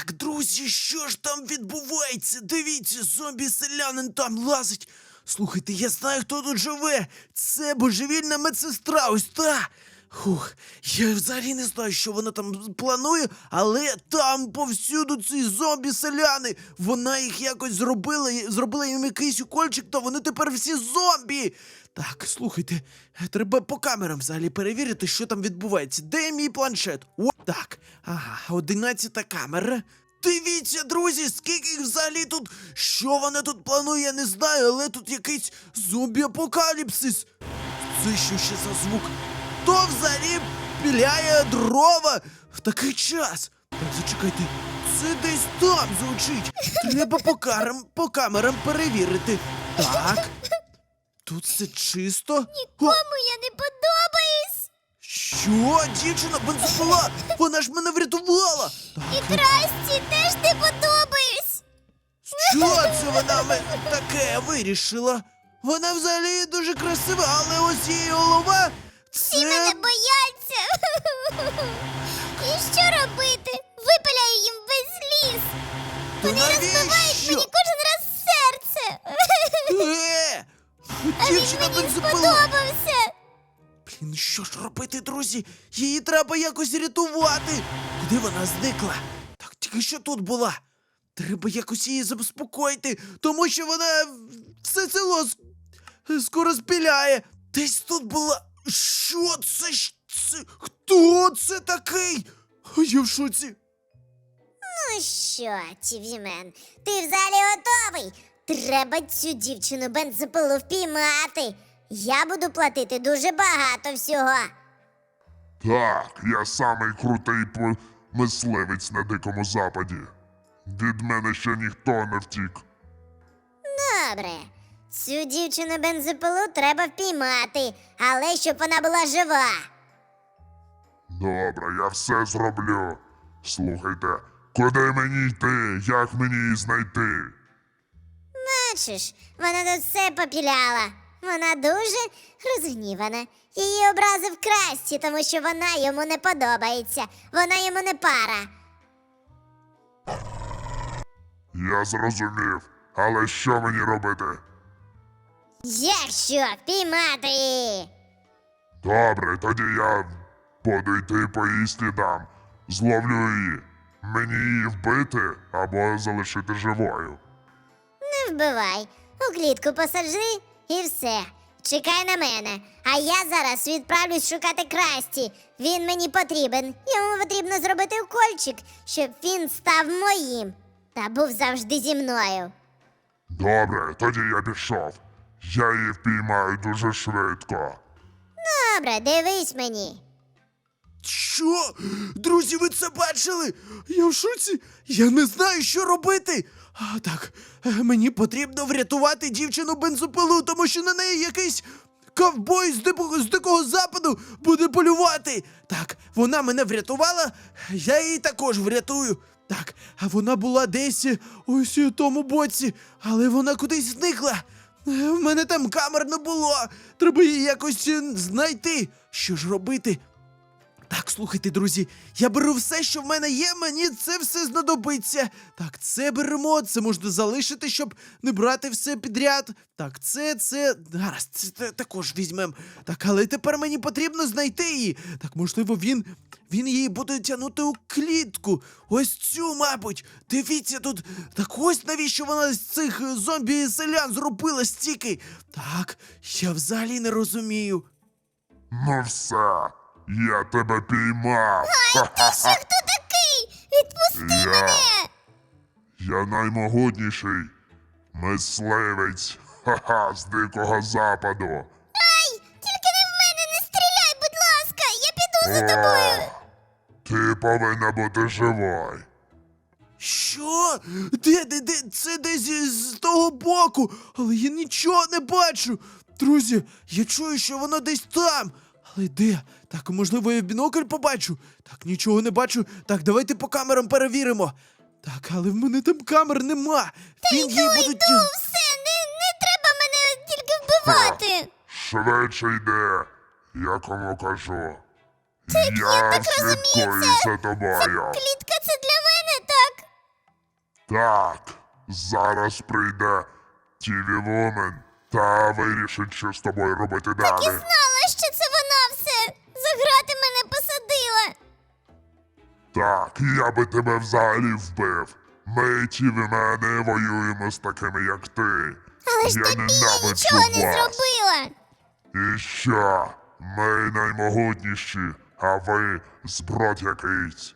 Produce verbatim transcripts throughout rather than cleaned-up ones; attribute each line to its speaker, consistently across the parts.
Speaker 1: Так, друзі, що ж там відбувається? Дивіться, зомбі-селянин там лазить. Слухайте, я знаю, хто тут живе. Це божевільна медсестра, ось та. Хух, я взагалі не знаю, що вона там планує, але там повсюду ці зомбі-селяни. Вона їх якось зробила, і- зробила їм якийсь укольчик, то вони тепер всі зомбі. Так, слухайте, треба по камерам взагалі перевірити, що там відбувається. Де мій планшет? О, так. Ага, одинадцята камера. Дивіться, друзі, скільки їх взагалі тут. Що вона тут планує, я не знаю, але тут якийсь зомбі-апокаліпсис. Це що ще за звук? Хто взагалі піляє дрова в такий час? Так, зачекайте, це десь там звучить. Треба по, карам, по камерам перевірити. Так. Тут все чисто. О,
Speaker 2: Кому я не подобаюсь?
Speaker 1: що? Дівчина бензопила! Вона ж мене врятувала!
Speaker 2: І
Speaker 1: Так,
Speaker 2: Красті теж не подобаюсь.
Speaker 1: що це вона ме- таке вирішила? Вона взагалі дуже красива, але ось її голова.
Speaker 2: Всі мене
Speaker 1: Це.
Speaker 2: бояться. І що робити? Випиляю їм весь ліс.
Speaker 1: Та
Speaker 2: Вони розбивають
Speaker 1: навіщо?
Speaker 2: мені кожен раз серце.
Speaker 1: Е!
Speaker 2: А він
Speaker 1: Дівчина
Speaker 2: мені
Speaker 1: бензопила!
Speaker 2: сподобався.
Speaker 1: Блін, що ж робити, друзі? Її треба якось рятувати. Куди вона зникла? Так, тільки що тут була. Треба якось її заспокоїти, тому що вона все село с- скоро спіляє. Десь тут була. Що це? ж- це? Хто це такий? Я в шоці.
Speaker 2: Ну що, Тівімен, ти взагалі готовий? Треба цю дівчину бензопилу впіймати. Я буду платити дуже багато всього.
Speaker 3: Так, я самий крутий по- мисливець на Дикому Западі. Від мене ще ніхто не втік.
Speaker 2: Добре. Цю дівчину бензопилу треба впіймати, але щоб вона була жива.
Speaker 3: Добре, я все зроблю. Слухайте, куди мені йти? Як мені її знайти?
Speaker 2: Бачиш, вона тут все попіляла. Вона дуже розгнівана. Її образив Красті, тому що вона йому не подобається. Вона йому не пара.
Speaker 3: Я зрозумів. Але що мені робити?
Speaker 2: Як що? Впіймати її?
Speaker 3: Добре, тоді я буду йти по її слідам. Зловлю її. Мені її вбити або залишити живою.
Speaker 2: Не вбивай. У клітку посаджи і все. Чекай на мене. А я зараз відправлюсь шукати Красті. Він мені потрібен. Йому потрібно зробити укольчик, щоб він став моїм. Та був завжди зі мною.
Speaker 3: Добре, тоді я пішов. Я її впіймаю дуже швидко.
Speaker 2: Добре, дивись мені.
Speaker 1: Що? Друзі, ви це бачили? Я в шоці. Я не знаю, що робити. А, так, е, мені потрібно врятувати дівчину бензопилу, тому що на неї якийсь ковбой з дикого, з дикого западу буде полювати. Так, вона мене врятувала, я її також врятую. Так, а вона була десь е, ось у тому боці, але вона кудись зникла. Е, В мене там камер не було. Треба її якось е, знайти. Що ж робити? Так, слухайте, друзі, я беру все, що в мене є, мені це все знадобиться. Так, це беремо, це можна залишити, щоб не брати все підряд. Так, це, це, гаразд, це, те- також візьмем. Так, але тепер мені потрібно знайти її. Так, можливо, він, він її буде тягнути у клітку. Ось цю, мабуть. Дивіться тут. Так ось навіщо вона з цих е, зомбі-селян зробила стільки. Так, я взагалі не розумію.
Speaker 3: Ну все, я тебе піймав.
Speaker 2: Що хто такий? Відпусти
Speaker 3: Я.
Speaker 2: мене!
Speaker 3: Я наймогутніший мисливець. Ха-ха, з Дикого Западу.
Speaker 2: Ай! Тільки не в мене не стріляй, будь ласка! Я піду за тобою!
Speaker 3: О, ти повинна бути живою.
Speaker 1: Що? Де, де, де? Це десь з того боку, але я нічого не бачу. Друзі, я чую, що воно десь там. Але де? Так, можливо, я в бінокль побачу. Так, нічого не бачу. Так, давайте по камерам перевіримо. Так, але в мене там камер нема. Він її буде...
Speaker 2: Йду, все, не, не треба мене тільки вбивати!
Speaker 3: Швидше йди, я кому кажу.
Speaker 2: я
Speaker 3: Я
Speaker 2: так
Speaker 3: слідкую
Speaker 2: розумію, це-
Speaker 3: за тобою.
Speaker 2: Клітка це для мене, так?
Speaker 3: Так, зараз прийде Тіві Вумен та вирішить, що з тобою робити далі.
Speaker 4: Знала, що це вона все. За грати мене посадила.
Speaker 3: Так, я би тебе взагалі вбив. Ми, Тіві мене, воюємо з такими, як ти.
Speaker 4: Але ж
Speaker 3: я
Speaker 4: тобі я
Speaker 3: ненавиджу
Speaker 4: нічого не
Speaker 3: вас.
Speaker 4: зробила.
Speaker 3: І що? Ми наймогутніші, а ви зброд якийсь.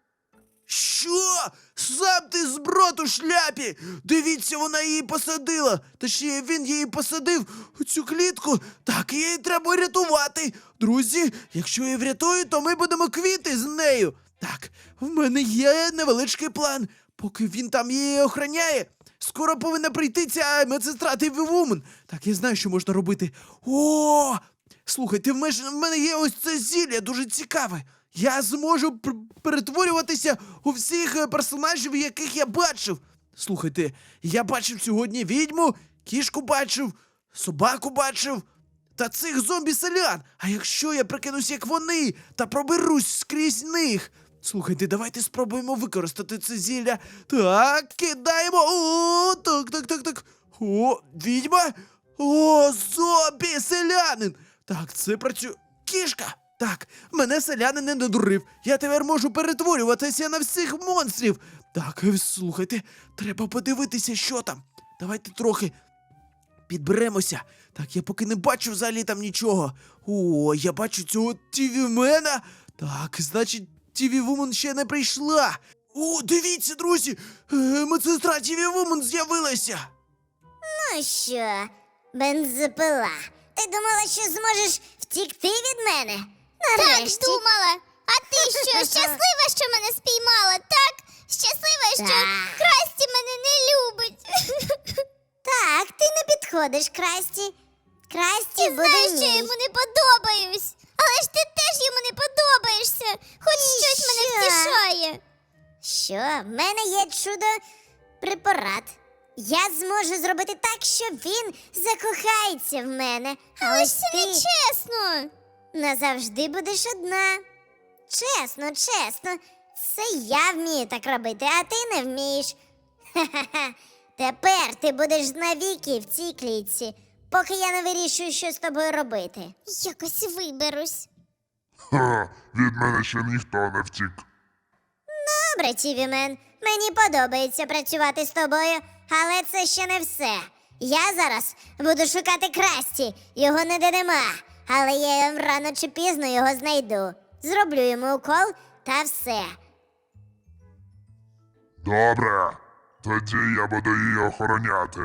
Speaker 1: Що? Сам ти зброд у шляпі! Дивіться, вона її посадила! Точніше, він її посадив у цю клітку. Так, її треба рятувати. Друзі, якщо я врятую, то ми будемо квіти з нею. Так, в мене є невеличкий план. Поки він там її охороняє, скоро повинна прийти ця медсестра Тіві Вумен. Так, я знаю, що можна робити. О! Слухайте, в мене в мене є ось це зілля, дуже цікаве. Я зможу пр- перетворюватися у всіх е, персонажів, яких я бачив. Слухайте, я бачив сьогодні відьму, кішку бачив, собаку бачив та цих зомбі-селян. А якщо я прикинусь, як вони, та проберусь скрізь них. Слухайте, давайте спробуємо використати це зілля. Так, кидаємо. О, так, так, так, так. О, відьма. О, зомбі-селянин. Так, це працює. Кішка. Так, мене селянин не надурив. Я тепер можу перетворюватися на всіх монстрів. Так, е, слухайте, треба подивитися, що там. Давайте трохи підберемося. Так, я поки не бачу взагалі там нічого. О, я бачу цього Тівімена. Так, значить, Тіві Вумен ще не прийшла. О, дивіться, друзі! Е, медсестра Тіві Вумен з'явилася.
Speaker 2: Ну що, бензопила, ти думала, що зможеш втікти від мене? Нарешті.
Speaker 4: Так думала. А ти що, щаслива, що мене спіймала, так? Щаслива, що
Speaker 2: Так.
Speaker 4: Красті мене не любить.
Speaker 2: Так, ти не підходиш, Красті. Красті
Speaker 4: Ти
Speaker 2: буде
Speaker 4: знаєш, що я
Speaker 2: мій.
Speaker 4: йому не подобаюсь. Але ж ти теж йому не подобаєшся. Хоч
Speaker 2: І
Speaker 4: щось мене
Speaker 2: що?
Speaker 4: втішає.
Speaker 2: Що? В мене є чудо препарат. Я зможу зробити так, що він закохається в мене. А
Speaker 4: Але
Speaker 2: ось
Speaker 4: ж це
Speaker 2: ти
Speaker 4: не чесно.
Speaker 2: назавжди будеш одна. Чесно, чесно, це я вмію так робити, а ти не вмієш. Ха-ха-ха. Тепер ти будеш навіки в цій клітці, поки я не вирішую, що з тобою робити.
Speaker 4: Якось виберусь.
Speaker 3: Ха, від мене ще ніхто не втік.
Speaker 2: Добре, Тівімен, мені подобається працювати з тобою, але це ще не все. Я зараз буду шукати Красті, його ніде нема, але я рано чи пізно його знайду. Зроблю йому укол та все.
Speaker 3: Добре, тоді я буду її охороняти.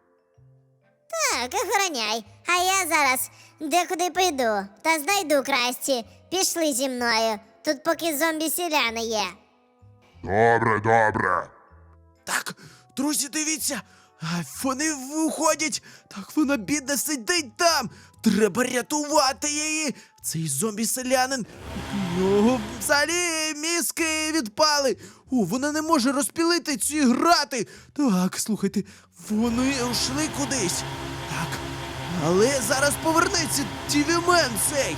Speaker 2: Так, охороняй, а я зараз декуди піду та знайду Красті. Пішли зі мною, тут поки зомбі-селяни є.
Speaker 3: Добре, добре.
Speaker 1: Так, друзі, дивіться. А, вони виходять. Так, вона бідна сидить там. Треба рятувати її. Цей зомбі-селянин. У нього взагалі мізки відпали. О, вона не може розпілити ці грати. Так, слухайте, вони йшли кудись. Так, але зараз повернеться Тівімен цей.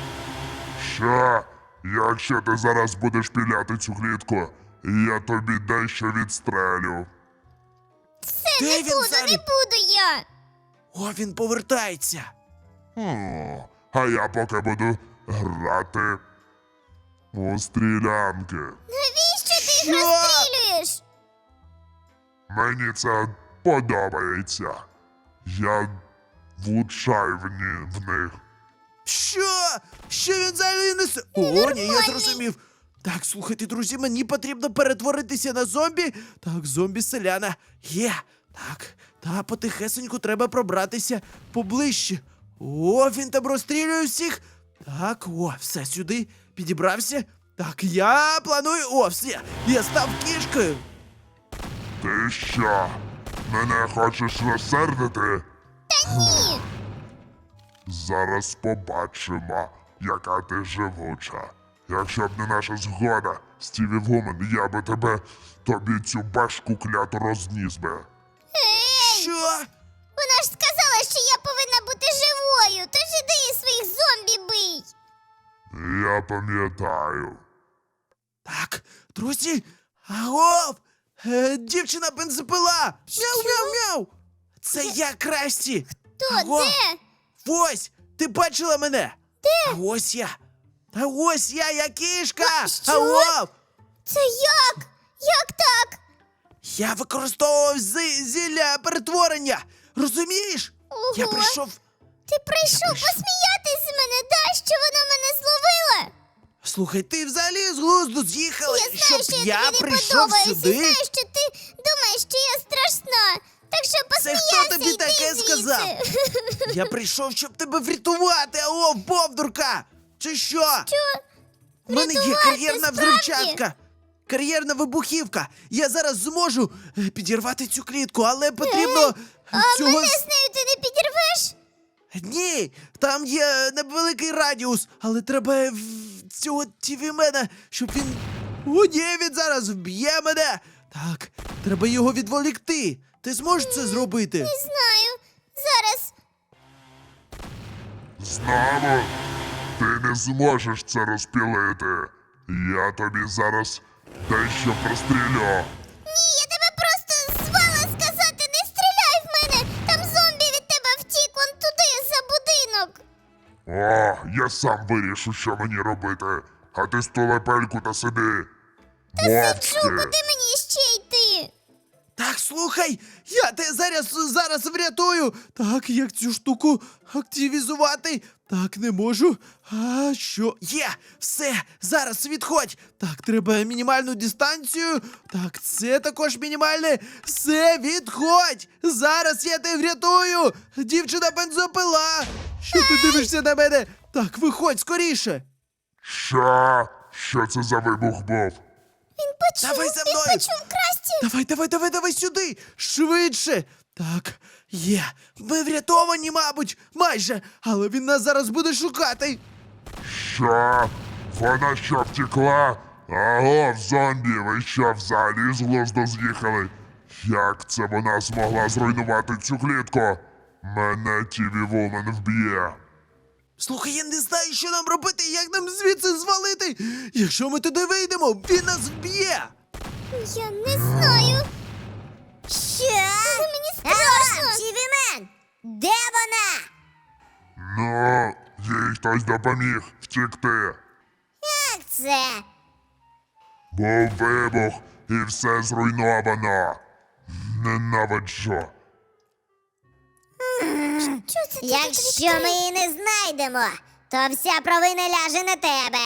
Speaker 3: Що? Якщо ти зараз будеш піляти цю клітку, я тобі дещо відстрелю.
Speaker 1: Де
Speaker 4: Не
Speaker 1: він
Speaker 4: буду,
Speaker 1: взагалі?
Speaker 4: не буду я.
Speaker 1: О, він повертається.
Speaker 3: О, а я поки буду грати у стрілянки.
Speaker 4: Навіщо ти
Speaker 1: Що?
Speaker 4: їх розстрілюєш?
Speaker 3: Мені це подобається. Я влучаю в, ні, в них.
Speaker 1: Що? Що він взагалі несе? О, ні, я зрозумів. Так, слухайте, друзі, мені потрібно перетворитися на зомбі. Так, зомбі-селяна. Є. Так, та потихесеньку треба пробратися поближче. О, він там розстрілює всіх. Так, о, все, сюди підібрався. Так, я планую. О, все, я став кішкою.
Speaker 3: Ти що? Мене хочеш розсердити?
Speaker 4: Та ні.
Speaker 3: Зараз побачимо, яка ти живуча. Якщо б не наша згода, Стіві Вумен, я би тебе, тобі цю башку кляту розніс би.
Speaker 1: Що?
Speaker 4: Вона ж сказала, що я повинна бути живою, тож іди і своїх зомбі бий.
Speaker 3: Я пам'ятаю.
Speaker 1: Так, друзі, агов! Е, дівчина бензопила! Мяу-мяу-мяу! Це я, Красті!
Speaker 4: То
Speaker 1: Алло?
Speaker 4: де?
Speaker 1: Ось! Ти бачила мене? Де? А ось я! Та ось я, я кішка!
Speaker 4: Що?
Speaker 1: Алло!
Speaker 4: Це як? Як так?
Speaker 1: Я використовував зи- зілля перетворення! Розумієш?
Speaker 4: Ого.
Speaker 1: Я прийшов.
Speaker 4: Ти прийшов
Speaker 1: прийшов.
Speaker 4: посміятись з мене, да? Що вона мене зловила?
Speaker 1: Слухай, ти взагалі з глузду з'їхала,
Speaker 4: Я знаю,
Speaker 1: щоб
Speaker 4: що я,
Speaker 1: я
Speaker 4: тобі не
Speaker 1: прийшов
Speaker 4: подобаюсь, і
Speaker 1: сюди?
Speaker 4: знаю, що ти думаєш, що я страшна. Так що
Speaker 1: Це
Speaker 4: посміявся,
Speaker 1: хто тобі
Speaker 4: йди
Speaker 1: таке
Speaker 4: звідси.
Speaker 1: сказав? Я прийшов, щоб тебе врятувати, алло, бовдурка! Чи що?
Speaker 4: Що?
Speaker 1: У мене є
Speaker 4: Врятувати,
Speaker 1: кар'єрна
Speaker 4: справді?
Speaker 1: взривчатка! Кар'єрна вибухівка! Я зараз зможу е, підірвати цю клітку, але потрібно е,
Speaker 4: А
Speaker 1: цього.
Speaker 4: мене з нею ти не підірвеш?
Speaker 1: Ні, там є невеликий радіус, але треба в- цього тівімена, щоб він. О, ні, він зараз вб'є мене! Так, треба його відволікти. Ти зможеш це зробити?
Speaker 4: Не знаю. Зараз.
Speaker 3: Знамо, ти не зможеш це розпілити. Я тобі зараз дещо прострілю.
Speaker 4: Ні, я тебе просто звала сказати, не стріляй в мене! Там зомбі від тебе втік вон туди, за будинок.
Speaker 3: О, я сам вирішу, що мені робити. А ти стулепельку та сиди.
Speaker 4: Сиджу,
Speaker 3: Мовчки.
Speaker 4: куди мені ще йти?
Speaker 1: Так, слухай, я тебе зараз зараз врятую. Так, як цю штуку активізувати? Так, не можу. А що? Є! Все! Зараз відходь! Так, треба мінімальну дистанцію. Так, це також мінімальне. Все, відходь! Зараз я тебе врятую! Дівчина бензопила! Що ти дивишся на мене? Так, виходь скоріше!
Speaker 3: Що? Що це за вибух був?
Speaker 4: Він почув,
Speaker 1: Давай за
Speaker 4: він
Speaker 1: мною.
Speaker 4: почув Красті.
Speaker 1: Давай, давай, давай, давай сюди! Швидше! Так, є. Ми врятовані, мабуть, майже, але він нас зараз буде шукати.
Speaker 3: Що? Вона що втекла? Аго, зомбі, ви що взагалі з глузду з'їхали? Як це вона змогла зруйнувати цю клітку? Мене Тіві Вумен вб'є.
Speaker 1: Слухай, я не знаю, що нам робити, як нам звідси звалити. Якщо ми туди вийдемо, він нас вб'є.
Speaker 4: Я не знаю.
Speaker 2: Що?
Speaker 4: Мені страшно.
Speaker 2: Тівімен! Де вона?
Speaker 3: Ну, їй хтось допоміг втекти.
Speaker 2: Як це?
Speaker 3: Був вибух і все зруйновано. Ненавиджу.
Speaker 4: Що це ти
Speaker 2: Якщо
Speaker 4: тут
Speaker 2: ми її не знайдемо, то вся провина ляже на тебе.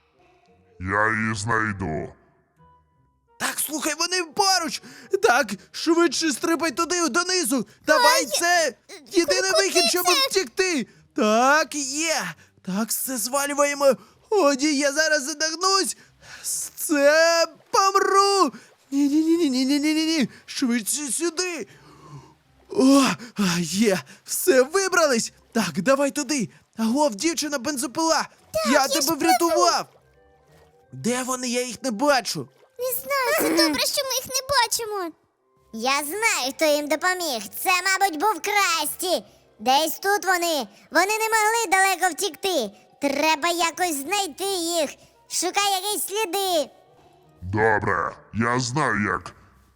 Speaker 3: Я її знайду.
Speaker 1: Так, слухай, вони поруч. Так, швидше стрибай туди, донизу. Давай, це єдиний
Speaker 4: куди
Speaker 1: вихід, щоб
Speaker 4: це?
Speaker 1: втекти. Так, є. Так, все звалюємо. О, ні, я зараз задохнусь. Це помру. Ні-ні-ні-ні-ні-ні-ні. Швидше сюди. О, а, є. Все, вибрались. Так, давай туди. Агов, дівчина бензопила. я
Speaker 4: я
Speaker 1: тебе
Speaker 4: ж
Speaker 1: врятував. Де вони? Я їх не бачу.
Speaker 4: Не знаю, це добре, що ми їх не бачимо.
Speaker 2: Я знаю, хто їм допоміг. Це, мабуть, був Красті. Десь тут вони. Вони не могли далеко втікти. Треба якось знайти їх. Шукай якісь сліди.
Speaker 3: Добре, я знаю, як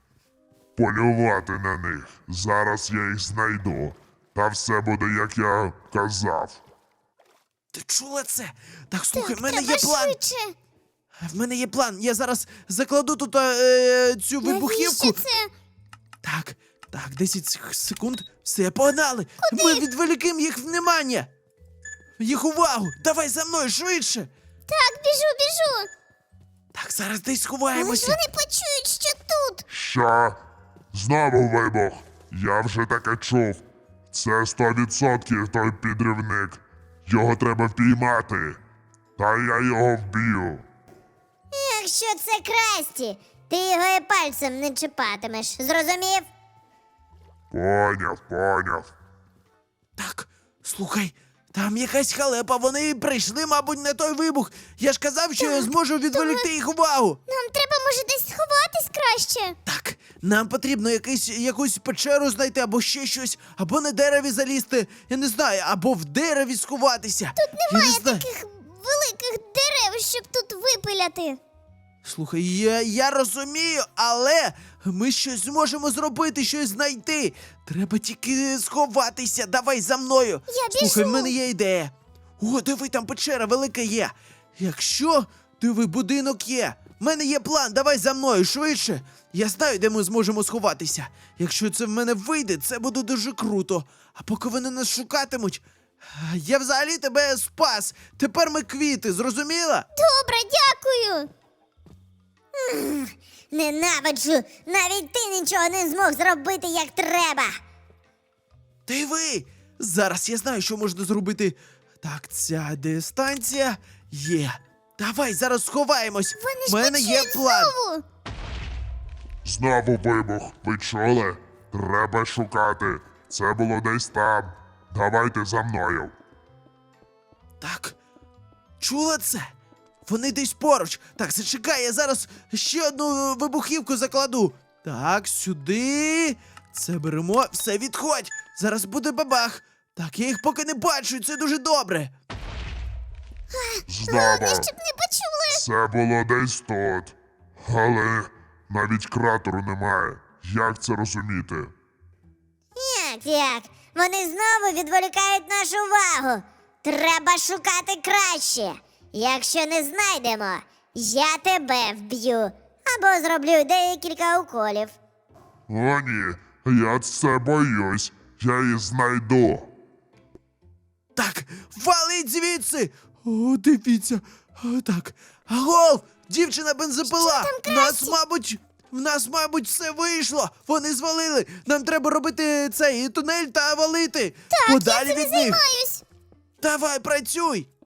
Speaker 3: полювати на них. Зараз я їх знайду. Та все буде, як я казав.
Speaker 1: Ти чула це? Так, слухай, в мене
Speaker 4: Треба
Speaker 1: є план.
Speaker 4: швидше.
Speaker 1: В мене є план. Я зараз закладу тут е, цю вибухівку.
Speaker 4: Навіщо це?
Speaker 1: Так, так, десять сек- секунд. Все, погнали. Ми відволікимо їх внимання. Їх увагу. Давай за мною швидше.
Speaker 4: Так, біжу, біжу.
Speaker 1: Так, зараз десь
Speaker 4: Але ж
Speaker 1: сховаємося.
Speaker 4: вони почують, що тут.
Speaker 3: Що? Знову вибух. Я вже таке чув. Це сто відсотків той підривник. Його треба впіймати. Та я його вб'ю.
Speaker 2: Якщо це Красті, ти його і пальцем не чіпатимеш. Зрозумів?
Speaker 3: Поняв, поняв.
Speaker 1: Так, слухай, там якась халепа. Вони прийшли, мабуть, на той вибух. Я ж казав, що я зможу відволікти їх увагу.
Speaker 4: Нам треба, може, десь сховатись краще.
Speaker 1: Так, нам потрібно якийсь, якусь печеру знайти, або ще щось, або на дереві залізти, я не знаю, або в дереві сховатися. Тут
Speaker 4: Немає таких великих дерев, щоб тут випиляти.
Speaker 1: Слухай, я, я розумію, але ми щось зможемо зробити, щось знайти. Треба тільки сховатися. Давай за мною.
Speaker 4: Я
Speaker 1: Слухай, в
Speaker 4: біжу.
Speaker 1: мене є ідея. О, диви, там печера велика є. Якщо, диви, будинок є. В мене є план, давай за мною швидше. Я знаю, де ми зможемо сховатися. Якщо це в мене вийде, це буде дуже круто. А поки вони нас шукатимуть, я взагалі тебе спас. Тепер ми квіти, зрозуміла?
Speaker 4: Добре, дякую.
Speaker 2: Ненавиджу! Навіть ти нічого не змог зробити як треба!
Speaker 1: Диви! Зараз я знаю, що можна зробити. Так, ця дистанція є. Давай зараз сховаємось.
Speaker 4: Вони
Speaker 1: У
Speaker 4: ж
Speaker 1: мене є
Speaker 4: почують
Speaker 1: план.
Speaker 4: знову.
Speaker 3: Знову вибух. Ви чули? Треба шукати. Це було десь там. Давайте за мною.
Speaker 1: Так. Чула це? Вони десь поруч. Так, зачекай, я зараз ще одну вибухівку закладу. Так, сюди. Це беремо. Все, відходь. Зараз буде бабах. Так, я їх поки не бачу, це дуже добре.
Speaker 3: Знову.
Speaker 4: Головне, щоб не почули.
Speaker 3: Це було десь тут. Але навіть кратеру немає. Як це розуміти?
Speaker 2: Як як? Вони знову відволікають нашу увагу. Треба шукати краще. Якщо не знайдемо, я тебе вб'ю або зроблю декілька уколів.
Speaker 3: О, ні, я це боюсь. Я її знайду.
Speaker 1: Так, валить звідси! О, дивіться. О, так. Агов! Дівчина бензопила! В нас, мабуть, в нас, мабуть, все вийшло! Вони звалили! Нам треба робити цей тунель та валити! Подалі
Speaker 4: Я цим
Speaker 1: від них!
Speaker 4: займаюсь.
Speaker 1: Давай, працюй!